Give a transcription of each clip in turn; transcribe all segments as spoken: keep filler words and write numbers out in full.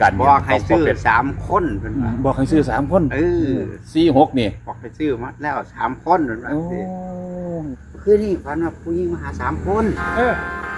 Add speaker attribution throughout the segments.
Speaker 1: การ
Speaker 2: บอกให้ซื้อสามคนเป็นว่า
Speaker 1: บอกให้ซื้อสามคน
Speaker 2: เออ
Speaker 1: สี่หกนี่
Speaker 2: บอกให้ซื้อมาแล้วสามคนเป็นว่า
Speaker 1: โอ้
Speaker 2: คือนี่ฝันว่าผู้หญิงมาหาสามคน
Speaker 3: เออ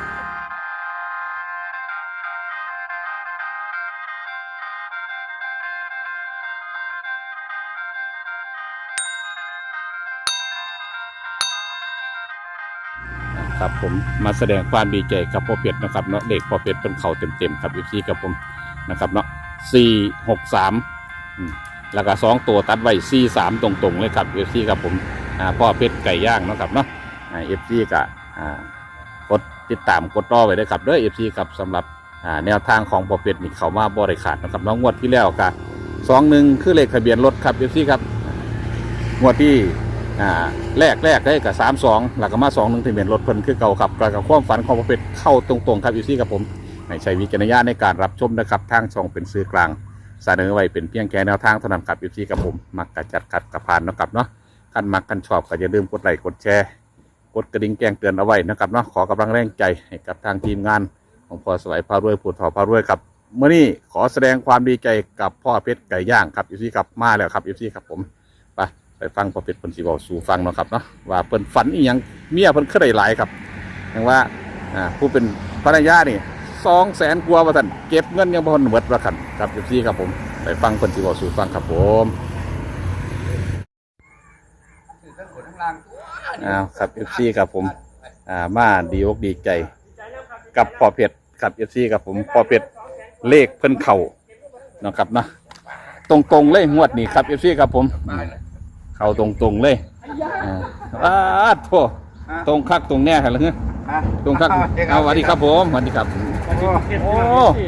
Speaker 1: ครับผมมาแสดงความดีใจกับพ่อเป็ดนะครับเนาะเด็กพ่อเป็ดเป็นเข่าเต็มๆครับอีซีกับผมนะครับเนาะสี่หกสามแล้วก็สองตัวตัดไว้สี่สามตรงๆเลยครับเอฟซีกับผมอ่าพ่อเป็ดไก่ย่างเนาะครับเนาะเอฟซีกับอ่ากดติดตามกดต่อไว้ด้วยครับเด้อเอฟซีครับสำหรับอ่าแนวทางของพ่อเป็ดนี่เขามาบริขาดนะครับน้องงวดที่แล้วกับสองหนึ่งคือเลขทะเบียนรถครับเอฟซีครับงวดที่อ่าแรกแรกได้กับสามสองหลักมาสองหนึ่งทะเบียนรถเพิ่นคือเก่าครับกกับความฝันของพ่อเป็ดเข้าตรงๆครับเอฟซีกับผมให้ใช้วิจารณญาณในการรับชมนะครับทางช่องเป็นสื่อกลางเสนอไว้เป็นเพียงแค่แนวทางเท่านั้นครับเอฟซีกับผมมักกระจัดขัดกระพานนะครับเนาะคันมักกันชอบก็อย่าลืมกดไลค์กดแชร์กดกระดิ่งแจ้งเตือนเอาไว้นะครับเนาะขอกำลังแรงใจให้กับทางทีมงานของพ่อสวัยพารวยผู้ทอพารวยครับเมื่อนี้ขอแสดงความดีใจกับพ่อเพชรไก่ย่างครับเอฟซีครับมาแล้วครับเอฟซีครับผมไปไปฟังพ่อเพชรเพิ่นสิบอกสู่ฟังเนาะครับเนาะว่าเพิ่นฝันอีหยังเมียเพิ่นเคยได้หลายครับอย่างว่าอ่าผู้เป็นภรรยานี่สองแสนกว่าว่าท่านเก็บเงินยังบ่ทันหมดว่าคั่นครับเอฟซีครับผมไปฟังเพิ่นสิบอกสู่ฟังครับผมอ้าวครับเอฟซีครับผมอ่ามาดีอกดีใจกับพ่อเพชรครับเอฟซีครับผมพ่อเพชรเลขเพิ่นเข่าเนาะครับเนาะตรงๆเลยงวดนี้ครับเอฟซีครับผมเข่าตรงๆเลยอ่าอ้าโธ่ตรงคักตรงแน่เหรอเงี้ยตรงคักเอาสวัสดีครับผมสวัสดีครับโอ้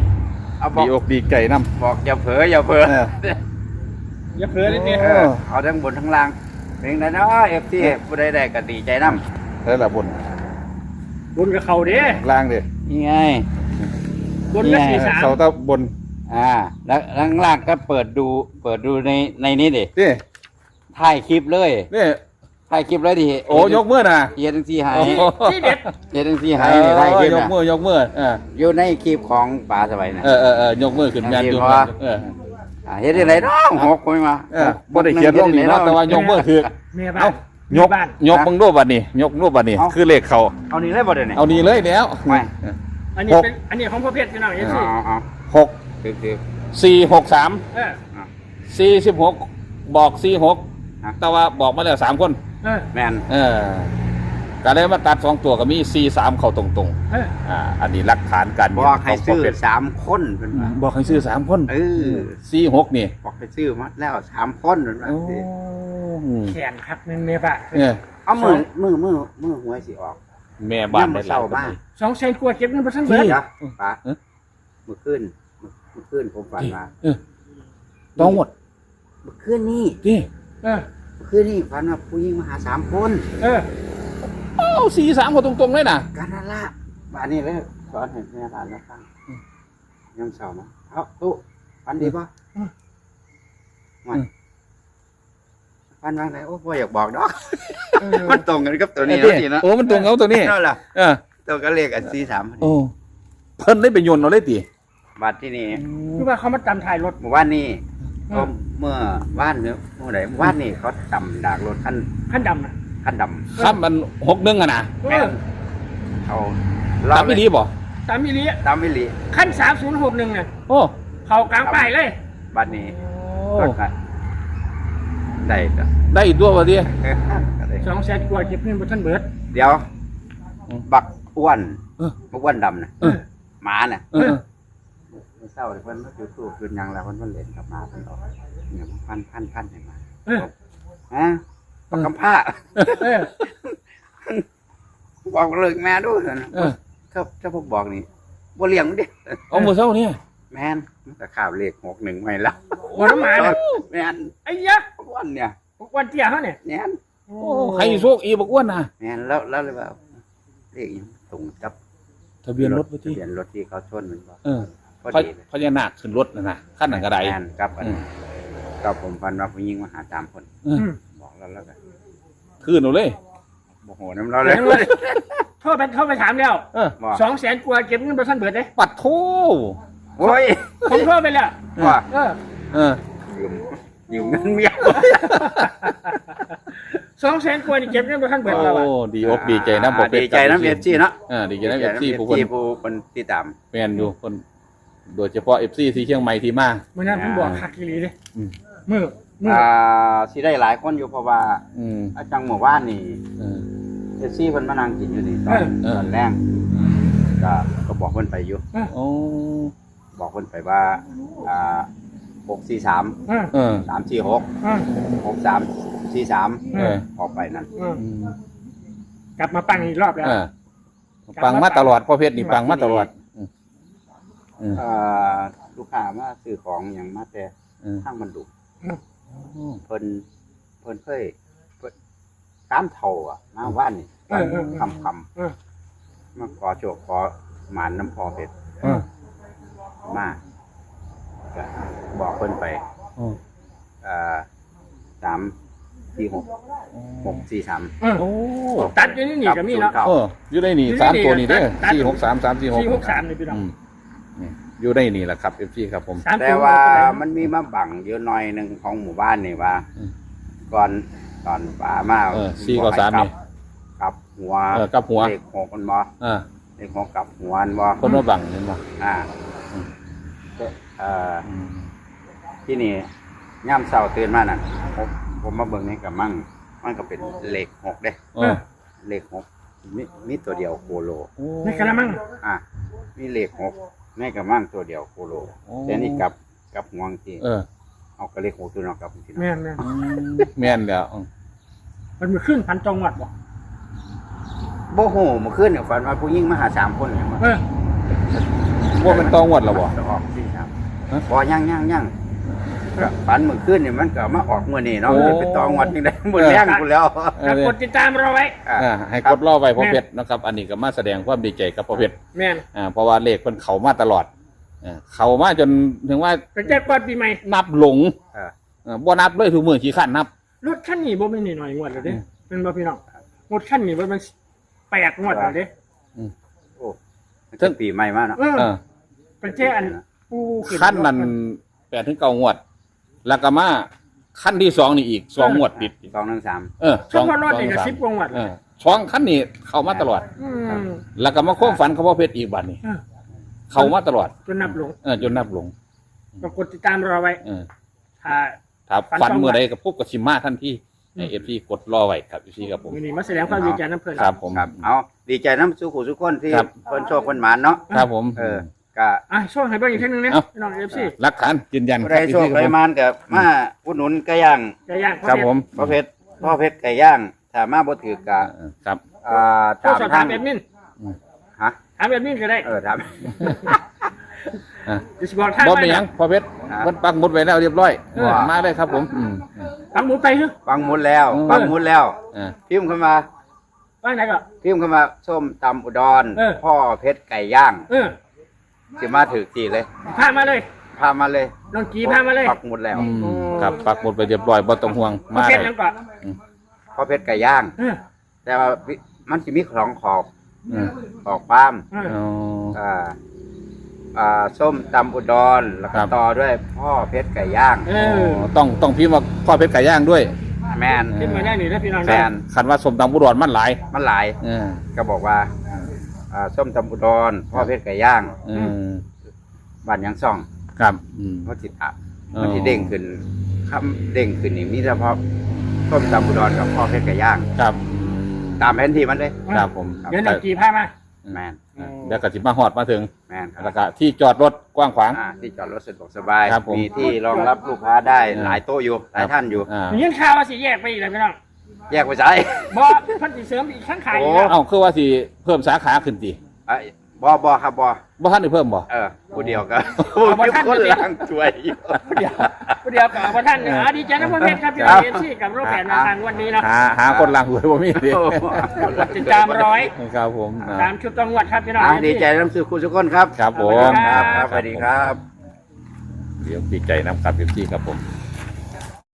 Speaker 2: เอาบอ
Speaker 1: ดี
Speaker 2: ก
Speaker 1: อกดีใจน้
Speaker 2: บอกอย่าเผลออย่าเผลอ
Speaker 1: ำเออ
Speaker 3: อย่าเผลอนิดเดียว
Speaker 2: เออเอาทั้งบนทั้งล่างเพลงนั้นเนาะเอฟซีผู้ใดได้ก็ดีใจน้ำ
Speaker 1: แล้วละบน
Speaker 3: บนกับเขาเด้
Speaker 1: ล่างเด้
Speaker 2: นี่ไง
Speaker 3: บนกับสี่สาม
Speaker 1: เขาตะบน
Speaker 2: อ่าแล้วข้างล่างก็เปิดดูเปิดดูในในนี้ดิ
Speaker 1: นี่
Speaker 2: ถ่ายคลิปเลย
Speaker 1: นี่
Speaker 2: ถ่ายคลิปเลยดิ
Speaker 1: โอ้ยกมือนะ
Speaker 2: เฮียทั้งสี่หาย
Speaker 1: โอ้โห
Speaker 3: ที่เด็ด
Speaker 2: เฮียทั้งสี่หายนี่ถ่ายคลิป
Speaker 1: ยก
Speaker 2: นะ
Speaker 1: มือยกมือเออ
Speaker 2: อยู่ในคลิปของป่าสบายนะ
Speaker 1: เออเออเออยกมือขึ้นงานอยู่
Speaker 2: เพราะว่า
Speaker 1: เออ
Speaker 2: อ่าเฮ็ดได้ไรน้องหกคนมา
Speaker 1: เออบ่ได้เขียนลงนี่เนาะแต่ว่ายกมือคือ
Speaker 3: เมียบ้า
Speaker 1: เอ้าน ยก
Speaker 3: บ้าน
Speaker 1: ยกมึงรูปบัดนี้ยกรูปบัดนี้คือเลขเขา
Speaker 2: เอานี่เลยบ่ได้เนี่ย
Speaker 1: เอานี่เลยแล้ว
Speaker 2: ไม่
Speaker 3: อันนี้เป็นอันนี้ของพ่อเพชรพี่น้องเอฟ
Speaker 2: อ๋
Speaker 3: ซี
Speaker 2: ออ๋อ
Speaker 1: หก
Speaker 2: คือคือ
Speaker 1: สี่หกสาม
Speaker 3: เออ
Speaker 1: สี่สิบหกบอกสี่หก
Speaker 2: ฮะ
Speaker 1: แต่ว่าบอกมาแล้วสามคน
Speaker 3: เออ
Speaker 2: แมน
Speaker 1: เออการได้มาตัดสองตัวก็มีสี่สามเข้าตรง
Speaker 3: เออ
Speaker 1: ๆอ่าอันนี้หลักฐานการ
Speaker 2: บ
Speaker 1: เงิน
Speaker 2: อกให้
Speaker 1: ของ
Speaker 2: ซื้อ
Speaker 1: พ่เป็ด
Speaker 2: สามคนเป็นว่า
Speaker 1: บอกให้ซื้อสามคน
Speaker 2: เออ
Speaker 1: สี่หกนี่
Speaker 2: บอกให้ซื้อมาแล้วสามคนเป็นว่า
Speaker 1: โอ้
Speaker 3: แขนครับหนึ่งเมียบ้าน
Speaker 1: เนี่ย
Speaker 2: เอามือมือมือมือหวยสิออก
Speaker 1: แม่บ้านได้หลาย
Speaker 2: เศร้าบ้าน
Speaker 3: สองแสนกว่าเก็บเงินไปทั้งเบิด
Speaker 2: เดี๋ยวป้า
Speaker 1: เอ๊ะ
Speaker 2: เมื่อคืนเมื่อคืนผมฝันมา
Speaker 1: เออต้องหมด
Speaker 2: เมื่อคืนนี้
Speaker 1: นี่
Speaker 3: เออ
Speaker 2: เมื่อคืนนี้ฝันว่าผู้หญิงมาหาสามคน
Speaker 3: เออ
Speaker 1: เอ้าสี่สามเข้าตรงๆเลยนะ
Speaker 2: กันนั่นละบ้านนี้เลยสอนให้แม่บ้านมาฟังยังเศร้านะเอาตู้ฝันดีป่ะมันฝันว่าไงโอ้พ่อยากบอกดอก
Speaker 3: เออ
Speaker 2: มันตรงกันกับตัวนี้
Speaker 1: เอ้ย
Speaker 2: นะทีนะ
Speaker 1: โอ้มันตรงเอาตัวนี้
Speaker 2: นั่นแหละ
Speaker 1: เออ
Speaker 2: ตัวก็เลขอันสี่สาม
Speaker 1: โอ้เพิ่นได้ไปโยนเอาเลยติ
Speaker 2: บัตรที่นี่
Speaker 3: คือว่าเขามาจำถ่ายรถ
Speaker 2: เมื่อวานนี้
Speaker 3: อืม
Speaker 2: เมื่อวานเนื้อเมื่อไหร่เมื่อวานนี้เขาจำดากรถขั้น
Speaker 3: ขั้นดำนะ
Speaker 2: ขั้นด
Speaker 1: ครับมันหกหนึ่งอะนะ
Speaker 2: ำ
Speaker 3: เอ
Speaker 2: แม่
Speaker 3: อน
Speaker 2: เอา
Speaker 1: ตามไม่ดีบ่
Speaker 3: ตามมิลิ
Speaker 2: ตามวิลี
Speaker 3: ขั้นสามศูนย์หกหนึ่งน่ะ
Speaker 1: โอ้
Speaker 3: เขากลางป้ายเลย
Speaker 2: บัตรนี้
Speaker 1: โอ้
Speaker 2: ก็ก็ได้ก็
Speaker 1: ได้อีกตัวบ่ดิ
Speaker 2: ก็ได้
Speaker 3: สองแสนกว่าเก็บเงินไปทั้งเบิด
Speaker 2: เดี๋ยว
Speaker 1: อืม
Speaker 2: บักอ้วน
Speaker 1: เออ
Speaker 2: บักอ้วนดำนะ
Speaker 1: เออ
Speaker 2: หมาน่ะ
Speaker 1: เออ
Speaker 2: เศร้าเลยเพิ่นอยู่ตู้คืนยังแล้วเพิ่นเพิ่นเล่นกับหมาเพิ่นออกเนี่ยมันพันพันพันให้มา
Speaker 3: เออ
Speaker 2: ฮะบักกำผ้า
Speaker 3: เออ
Speaker 2: บอกเลิกแม่ด้วยนะ
Speaker 1: เออ
Speaker 2: ถ้าถ้าผมบอกนี่บ่เลี้ยงมันดิ
Speaker 1: เอามือเช้านี่
Speaker 2: แม่นมันก็ข่าวเลขหกหนึ่งไม่แล้ว
Speaker 3: หัวน้ำหมาเนี่ย
Speaker 2: แม่น
Speaker 3: ไอ้ยะ
Speaker 2: อ้วนเนี่ย
Speaker 3: วันเตี้ยเขาเนี่ย
Speaker 2: แม่น
Speaker 3: โอ้
Speaker 1: โอ้ใครโชคอีบอกอ้วนนะ
Speaker 2: แม่นแล้วแล้วเลยว่าเลขอีกตรงกับ
Speaker 1: ทะเบียนรถไป
Speaker 2: ทะ
Speaker 1: ที่
Speaker 2: เบียนรถที่เขาชนมันบอก
Speaker 1: เออ
Speaker 2: พอ
Speaker 1: พ
Speaker 2: ดีเลย
Speaker 1: พญานาคขึ้นรถนะนะขั้นหนังกระได
Speaker 2: แม่นกับอัน
Speaker 1: อืม
Speaker 2: กับผมฟันว่าผู้หญิงมาหาสามคน
Speaker 1: เออ
Speaker 3: อืม
Speaker 2: บอกแล้วแล้วกัน
Speaker 1: คืนเอาเลย
Speaker 2: โมโหน้ำเราเลย
Speaker 3: เลยโทษไปเข้าไปถามแล้ว
Speaker 1: เออ
Speaker 2: บอก
Speaker 3: สองแสนกว่าเก็บเงินไปทั้งเบิดเลย
Speaker 1: ปัดโท
Speaker 2: โอ้ย
Speaker 3: ผมเพิ่มไปแล้ว
Speaker 2: ว่า
Speaker 3: เออ
Speaker 1: เออ
Speaker 2: ยืมยืมเงินเมีย
Speaker 3: สองแสนกว่านี่เก็บเงินบ่ทันเบิดแล้ว
Speaker 1: โอ้
Speaker 3: อ่ะ
Speaker 1: ดีอกดีใจนะบ่เป็
Speaker 2: ดีใจน้ำเอฟซีเนาะ
Speaker 1: เออดีใจนะเอฟซีผู้คน
Speaker 2: ผู้คนติดตาม
Speaker 1: แม่นอยู่คนโดยเฉพาะเอฟซีที่เชียงใหม่ที่มา
Speaker 3: มื้อนั้นผมบอกคักอีหลีเด้
Speaker 1: อืม
Speaker 3: มื้อมื้อ
Speaker 2: อ่าสิได้หลายคนอยู่เพราะว่า
Speaker 1: อืม
Speaker 2: อาจังหมู่บ้านนี่
Speaker 1: เออ
Speaker 2: เอฟซีเพิ่นมานั่งกินอยู่นี่ตอน
Speaker 1: เออ
Speaker 2: ตอนแรกก็ก็บอกเพิ่นไปอยู่
Speaker 1: โอ้
Speaker 2: บอกเพิ่นไปว่าอ่าหกสี่สาม
Speaker 3: เออ
Speaker 1: เออ
Speaker 2: สามสี่หก
Speaker 3: เออ
Speaker 2: หกสามสี่สาม
Speaker 1: เออ
Speaker 2: ออกไปนั่น
Speaker 3: เออ
Speaker 1: อืม
Speaker 3: กลับมาปังอีกรอบแล้ว
Speaker 1: เออปังมาตลอดพ่อเพชรนี่ปังมาตลอดอืมอืม
Speaker 2: เอ่อลูกค้ามาซื้อของอย่างมาแต่
Speaker 1: อืม
Speaker 2: ทางมันดุ
Speaker 1: อืม
Speaker 2: เพิ่นเพิ่นเคยเพิ่นตามเท่าอ่ะมาว่านนี่
Speaker 3: เออเออ
Speaker 2: คำคำ
Speaker 3: เออ
Speaker 2: มาขอโชคขอหมานน้ำพอเป็ด
Speaker 1: เออ
Speaker 2: มาก็บอกเพิ่นไป
Speaker 1: โอ้
Speaker 2: เอ่อสามสี่หกหกสี่สาม
Speaker 3: เออ
Speaker 1: โอ้
Speaker 3: ตัดอยู่นี่นี่ก็มีเนาะ
Speaker 1: เอออยู่ได้นี่สามตัวนี่เด้อสี่หกสามสามสี่หก
Speaker 3: สี่หกสามนี่พี่น้อง
Speaker 1: อืมนี่อยู่ได้นี่แหละครับเอฟซีครับผม
Speaker 3: สาม
Speaker 2: แต่
Speaker 3: ตัว
Speaker 2: ว่า
Speaker 3: เท่ไหร่
Speaker 2: มันมีมาบังอยู่หน่อยหนึ่งของหมู่บ้านนี่ว่า
Speaker 1: อืม
Speaker 2: ก่อนตอนป่ามา
Speaker 1: เออสี่กับสามนี่
Speaker 2: กลับหัว
Speaker 1: เออกับหัว
Speaker 2: เลขหกมันบ่
Speaker 1: อ่า
Speaker 2: เลขหกกลับหัวมันบ่
Speaker 1: คนมาบังเห็นบ่
Speaker 2: อ่า
Speaker 1: อืม
Speaker 2: เอ่อ
Speaker 1: อืม
Speaker 2: ที่นี่ย่ำเช้าตื่นมานั่นผมผมมาเบิ่งนี่กับมั่งมันก็เป็นเลขหกเด้
Speaker 1: เออ
Speaker 2: เลขหกมีมีตัวเดียวโคโล
Speaker 1: โอ้
Speaker 3: ในกระมัง
Speaker 2: อ่ะมีเลขหกในกับมั่งตัวเดียวโคโล
Speaker 1: โอ้
Speaker 2: แต่นี่กลับกลับหัวจริง
Speaker 1: เออ
Speaker 2: เอากระเลขหกตัวเนอกกลับจริง
Speaker 3: แม่นแม่น
Speaker 1: อืมแม่นแล้วอืม
Speaker 3: มันมีขึ้นพันจังหวัดบ่
Speaker 2: โบโหเมื่อคืนเนี่ยฝันว่าผู้หญิงมาหาสามคนเนี่ยมา
Speaker 3: เออ
Speaker 1: ว่ามันต้องวัดแล้วบ่
Speaker 2: จะออกที่สาม
Speaker 1: ฮะ
Speaker 2: บอย่างย่างย่างก็ฝันเมื่อคืนเนี่ยมันก็มาออกเมื่อนี่เนาะ
Speaker 1: โอ้
Speaker 2: มันจะเป็นตองวัดยังไงหมดแรงกูแล้ว
Speaker 1: เอ
Speaker 3: ถ้า
Speaker 1: อก
Speaker 3: ดติดตามเราไว้
Speaker 2: อ่ะ
Speaker 1: อ่าให้กดรอไว้พ่อเพชรนะครับ อันนี้ก็มาแสดงความดีใจกับพ่อเพชร
Speaker 3: แม่น
Speaker 1: อ่าเพราะว่าเลขมันเข้ามาตลอดอ่าเข้ามาจนถึงว่า
Speaker 3: ก็จะก่อนปีใหม่
Speaker 1: นับหลง
Speaker 2: อ่ะ
Speaker 1: อ่าบ่นับเลยทุกมื้อขี้ข้านนับ
Speaker 3: รถคันนี้บ่แม่นน้อยๆงวดแล้วเด้
Speaker 1: อืม
Speaker 3: เป็นบ่พี่น้องรถคันนี้บ่แม่นแปดงวดแล้วเด้
Speaker 2: โอ้มันถึงปีใหม่มาเนาะ
Speaker 3: เออ
Speaker 1: เออ
Speaker 3: เป็นแค่อันปูขึ้
Speaker 1: ขั้นนั้นแปดถึงเก้างวด แล้วก็มาขั้นที่สองนี่อีกสองงวดติด
Speaker 2: สองหนึ่งสาม
Speaker 1: เออ
Speaker 3: เฉพาะรถนี่ก็สิบกว่างวด
Speaker 1: เอ
Speaker 3: แล้ว
Speaker 1: อสองขั้นนี่เข้ามาตลอด
Speaker 3: อืม
Speaker 1: แล้วก็มาโค้งฝันเขาพ่อเพชรอีกบัดนี้
Speaker 3: เออ
Speaker 1: เข้ามาตลอด
Speaker 3: จนนับลง
Speaker 1: เออจนนับหลง
Speaker 3: ก็กดติดตามเราไว้
Speaker 1: เออ
Speaker 3: ถ้า
Speaker 1: ถ้า
Speaker 3: ฝัน
Speaker 1: ฝัน
Speaker 3: สอง
Speaker 1: เมื่อ
Speaker 3: วัน
Speaker 1: ใดก็พบกับชิมมาทันที
Speaker 3: อืม
Speaker 1: เอฟซีกดรอไว้ครับเอฟซีครับผม
Speaker 3: มื้อนี้มาแสดงความดีใจน้ำเพิ่น
Speaker 1: ครับผม
Speaker 2: ครับเอาดีใจน้ำสู้ขู่สู้คนที่
Speaker 1: ครับ
Speaker 2: คนโชคคนหมานเนาะ
Speaker 1: ครับผม
Speaker 2: เออก็
Speaker 3: อ่ะช่วงให้เบิ่งอีกทีหนึงนะ
Speaker 1: เอ้า
Speaker 3: พี่น้อง เอฟ ซี
Speaker 1: หลักฐานยืนยัน
Speaker 2: ผู้
Speaker 1: ค
Speaker 2: ใด
Speaker 1: รับ
Speaker 2: โชค
Speaker 1: FC
Speaker 2: ใดหมานกับมาอุดหนุนไก่ย่าง
Speaker 3: ไก่ย่าง
Speaker 1: ครับผม
Speaker 2: พ่อเพชรพ่อเพชรไก่ย่างถ้ามาบ่ถือกะ
Speaker 1: เออครับ
Speaker 2: อ่า
Speaker 3: โทร
Speaker 2: ตาม
Speaker 3: สอบ
Speaker 2: ทา
Speaker 3: ถาง มแอดมิน
Speaker 2: ฮะ
Speaker 3: ถามแอดมินก็ได้
Speaker 2: เออถาม
Speaker 1: อ่ะ
Speaker 3: จะสิบอกทาง
Speaker 1: บ่
Speaker 3: ไว้
Speaker 1: เป็นหยังพ่อเพชร
Speaker 2: ครับ
Speaker 1: มันปักหมุดไว้แล้วเรียบร้อย
Speaker 3: เออ
Speaker 1: มาเลยครับผมอืม
Speaker 3: ฟังหมูไปเถอะ
Speaker 2: ฟังหมุดแล้ว
Speaker 1: เออ
Speaker 2: ฟังหมุดแล้ว
Speaker 1: อ่า
Speaker 2: พิมพ์เข้ามา
Speaker 3: ว่าไหนก็
Speaker 2: พิมพ์เข้ามาส้มตำอุดร
Speaker 3: เออ
Speaker 2: พ่อเพชรไก่ย่าง
Speaker 3: เออ
Speaker 2: สิมาถือทีเลย
Speaker 3: พามาเลย
Speaker 2: พามาเลย
Speaker 3: น้องกีพามาเลย
Speaker 2: ปักหมุดแล้ว
Speaker 1: อืมครับปักหมุดไปเรียบร้อยบ่ต้องห่วง
Speaker 3: มา
Speaker 1: มา
Speaker 3: เป็
Speaker 1: เล
Speaker 3: น
Speaker 1: ย
Speaker 3: ยังก่อน
Speaker 2: พ่อเพชรไก่ย่าง
Speaker 3: เออ
Speaker 2: แต่ว่ามันสิมีของขอบ
Speaker 1: อืม
Speaker 2: ขอบปาล์ม
Speaker 3: เออ
Speaker 1: อ๋อ
Speaker 2: อ่าอ่าส้มตำอุดรแล้ว
Speaker 1: ครั
Speaker 2: ก็
Speaker 1: บ
Speaker 2: ต่อด้วยพ่อเพชรไก่ย่าง
Speaker 3: เอ
Speaker 1: อ๋
Speaker 3: อ
Speaker 1: อต้องต้องพิมพ์ว่าพ่อเพชรไก่ย่างด้วย
Speaker 2: แมน
Speaker 3: ขึ้นมาได้นี่นะพี่น้อง
Speaker 2: แม
Speaker 3: นะ
Speaker 2: น
Speaker 1: คันว่าสมตำบุรอนมันหลาย
Speaker 2: มันหลาย
Speaker 1: เออ
Speaker 2: ก็บอกว่าอ่าส้มตำอุดรพ่อเพชรไก่ย่าง
Speaker 1: เออ
Speaker 2: บ้านยังซ่อง
Speaker 1: ครับอืม
Speaker 2: มันติดอ่ะ
Speaker 1: อ๋อ
Speaker 2: มันที่เด้งขึ้นคำเด้งขึ้นนี่มีเฉพาะส้มตำอุดรกับพ่อเพชรไก่ย่าง
Speaker 1: ครับ
Speaker 2: ตามแผนที่มันเลย
Speaker 1: ครับผม
Speaker 3: เดี๋ยวน้องกีพามา
Speaker 2: แมน
Speaker 1: เออเดี๋ยวก็สิมาฮอดมาถึง
Speaker 2: แมนค
Speaker 1: แล้
Speaker 2: รั
Speaker 1: ว
Speaker 2: บ
Speaker 1: ก็ที่จอดรถกว้างขวาง
Speaker 2: อ่าที่จอดรถสะดวกสบาย
Speaker 1: ครับผม
Speaker 2: มีที่รองรับลูกค้าได้
Speaker 1: เออ
Speaker 2: หลายโต๊ะอยู่หลายท่านอยู่
Speaker 1: อ่า
Speaker 3: มีเงินข่าวว่าสิแยกไปอีกแล้วพี่น้อง
Speaker 2: แยกไปใช้
Speaker 3: บ่เพิ่นสิเสริมอีกข้างขายอีก
Speaker 2: โอ้
Speaker 3: แล้ว
Speaker 1: เอ้าคือว่าสิเพิ่มสาขาขึ้นติ
Speaker 2: ไอ้บอบอครับบอ
Speaker 1: บ่ทันได้เพิ่มบ่
Speaker 2: เออผู้เดียวก็ผู้คนล่างช่วยอยู่
Speaker 3: เดี๋ยวเดี๋ยวกับท่านเนาะดีใจนะพ่อเพชรครับพี่น้อง เอฟซีกับรูปแบบแนวทางวันนี้เนาะ
Speaker 1: หาหาคนล่างหวยบ่มีติ
Speaker 3: ติดตามร้อย
Speaker 1: ครับผมอ่า
Speaker 3: ตามชุดจังหวัดครับพี่น้อง
Speaker 2: อ่าดีใจน้ำซื้อคุณทุกคนครับ
Speaker 1: ครับผม
Speaker 2: ครับครับสวัสดีครับ
Speaker 1: เดี๋ยวดีใจน้ำครับพี่ครับผม